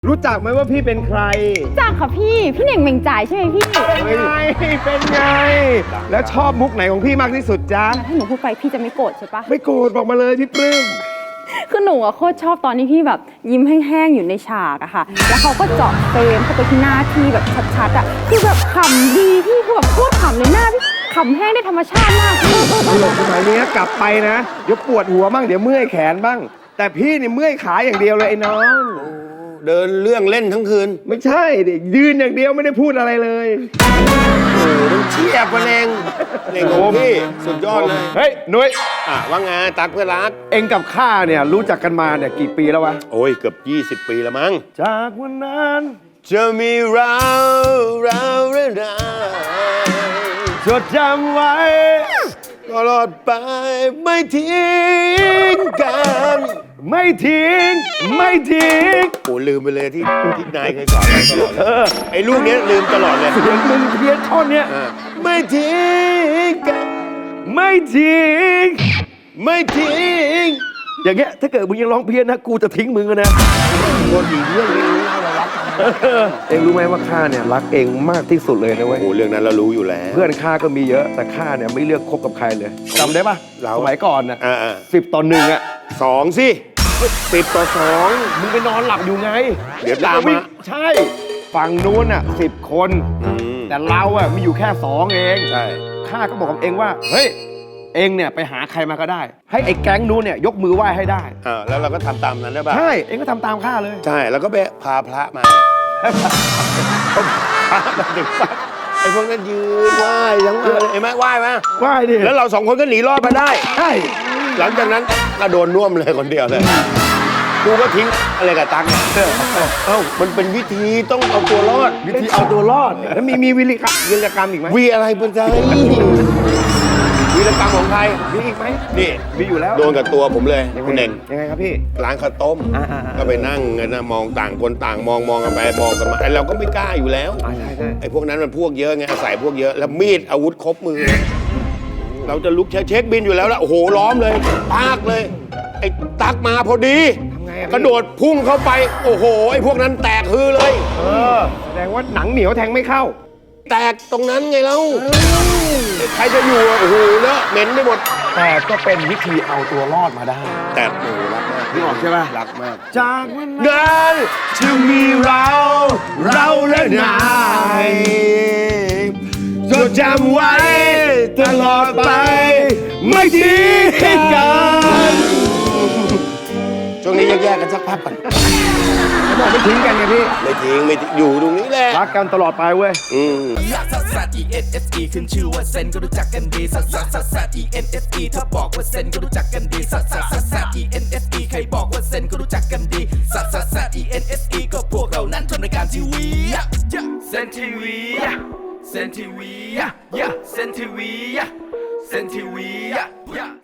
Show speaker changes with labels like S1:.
S1: รู้จักไหมว่าพี่เป็นใคร
S2: จักค่ะพี่เน่งเมงจ่ายใช่ไหมพี่
S1: เป็นไงเป็นไงแล้วชอบมุกไหนของพี่มากที่สุดจ๊ะ
S2: ถ้าหนูพูดไปพี่จะไม่โกรธใช่ปะ
S1: ไม่โกรธบอกมาเลยพี่ปลื้ม
S2: คือหนูอะโคตรชอบตอนที่พี่แบบยิ้มแห้งๆอยู่ในฉากอะค่ะแล้วเขาก็เจาะเฟรมเข้าไปที่หน้าพี่แบบชัดๆอะคือแบบขำดีพี่คือแบบโคตรขำเลยหน้าพี่ขำแห้งได้ธรรมชาติมากพี่
S1: ตลกสมัยนี้กลับไปนะเดี๋ยวปวดหัวบ้างเดี๋ยวเมื่อยแขนบ้างแต่พี่นี่เมื่อยขาอย่างเดียวเลยไอ้น้อง
S3: เดินเรื่องเล่นทั้งคืน
S1: ไม่ใช่ดิยืนอย่างเดียวไม่ได้พูดอะไรเลย
S3: โอ้ต้องเชียบกันเองเองของพี่สุดยอดเลย
S1: เฮ้ยนุ้ย
S3: ว่าไงตักเพื่อนรัก
S1: เองกับข้าเนี่ยรู้จักกันมาเนี่ยกี่ปีแล้ววะ
S3: โอ้ยเกือบ20 ปีแล้วมั้ง
S1: จากวันนั้น
S3: จะมีเราเรื่องราว
S1: จดจำไว้
S3: ตลอดไปไม่ทิ้งกัน
S1: ไม่ทิ้ง
S3: โอ้ลืมไปเลยที่นายเคยสอนเราตลอดไอ้ลูกนี้ลืมตลอดเลย
S1: เสียงมึงเพี้ยนท่อนเนี้ย
S3: ไม่ทิ้งกัน
S1: ไม่ทิ้งอย่างเงี้ยถ้าเกิดมึงยังร้องเพี้ยนนะกูจะทิ้งมึงนะ
S3: คนอีกเรื่องนี้เรารักกัน
S1: เองรู้ไหมว่าข้าเนี่ยรักเองมากที่สุดเลยนะเว้ย
S3: โอ้เรื่องนั้นเรารู้อยู่แล้ว
S1: เพื่อนข้าก็มีเยอะแต่ข้าเนี่ยไม่เลือกคบกับใครเลยจำได้ปะสมัยก่อนนะ10-1อะ
S3: 2สิ10-2
S1: มึงไปนอนหลับอยู่ไง
S3: เดี๋ยวตามมา
S1: ใช่ฝั่งนู้นอะ10 คนแต่เราอะมีอยู่แค่2เอง
S3: ใช่
S1: ข้าก็บอกกับเองว่าเฮ้ยเองเนี่ยไปหาใครมาก็ได้ให้ไอ้แก๊งนู้นเนี่ยยกมือไหว้ให้ได้
S3: แล้วเราก็ทำตามนั้นได้ป่ะ
S1: ใช่เองก็ทำตามข้าเลย
S3: ใช่แล้วก็ไปพาพระมาพระมาถึงปั๊บไอ้พวกนั้นยืนไหว้ทั้งวันเลยเห็นไหมไหว้ไหม
S1: ไหว้ดิ
S3: แล้วเรา2 คนก็หนีรอดมาได้
S1: ใช่
S3: หลังจากนั้นก็โดนน่วมเลยคนเดียวเลยกูก็ทิ้งอะไรกับตังค์มันเป็นวิธีต้องเอาตัวรอด
S1: วิธีเอาตัวรอดแล้วมีวิรกรรมอีกไหม
S3: วีอะไรเป็นใจวีรกรรมของใคร
S1: มีอีกไหม
S3: นี่
S1: มีอยู่แล้ว
S3: โดนกับตัวผมเลยคุณเน่ง
S1: ยังไงครับพี่
S3: ร้านข้าวต้มก็ไปนั่งกันนะมองต่างคนต่างมองกันไปมองกันมาไอเราก็ไม่กล้าอยู่แล้วไอพวกนั้นมันพวกเยอะไงอาศัยพวกเยอะแล้วมีดอาวุธครบมือเราจะลุกเช็คบินอยู่แล้วโอ้โหล้อมเลยปากเลยไอ้ตักมาพอดีกระโดดพุ่งเข้าไปโอ้โหไอ้พวกนั้นแตกฮือเลย
S1: แสดงว่าหนังเหนียวแทงไม่เข้า
S3: แตกตรงนั้นไงเล่าใครจะอยู่โอ้โหเลอะเหม็นไปหมด
S1: แต่ก็เป็นวิธีเอาตัวรอดมาได้
S3: แต่โอ้รักมาก
S1: นี่ออกใช่ไหม
S3: รักมาก
S1: จากวันนั้นจะมีเราและนายจดจำไว้ตลอดไปไม่ทิ้งกัน
S3: ช่วงนี้แยกกันสักพักก่อน
S1: เขาบอกไม่ทิ้งกันไงพี่
S3: ไม่ทิ้งอยู่ตรงนี้แหละ
S1: รักกันตลอดไปเว้ย
S4: ซัด ENSE ขึ้นชื่อว่าเซนก็รู้จักกันดีซัด ENSE ถ้าบอกว่าเซนก็รู้จักกันดีซัด ENSE ใครบอกว่าเซนก็รู้จักกันดีซัด ENSE ก็พวกเรานั้นทำรายการทีวีเซนทีวีเซนทีวีเซนทีวี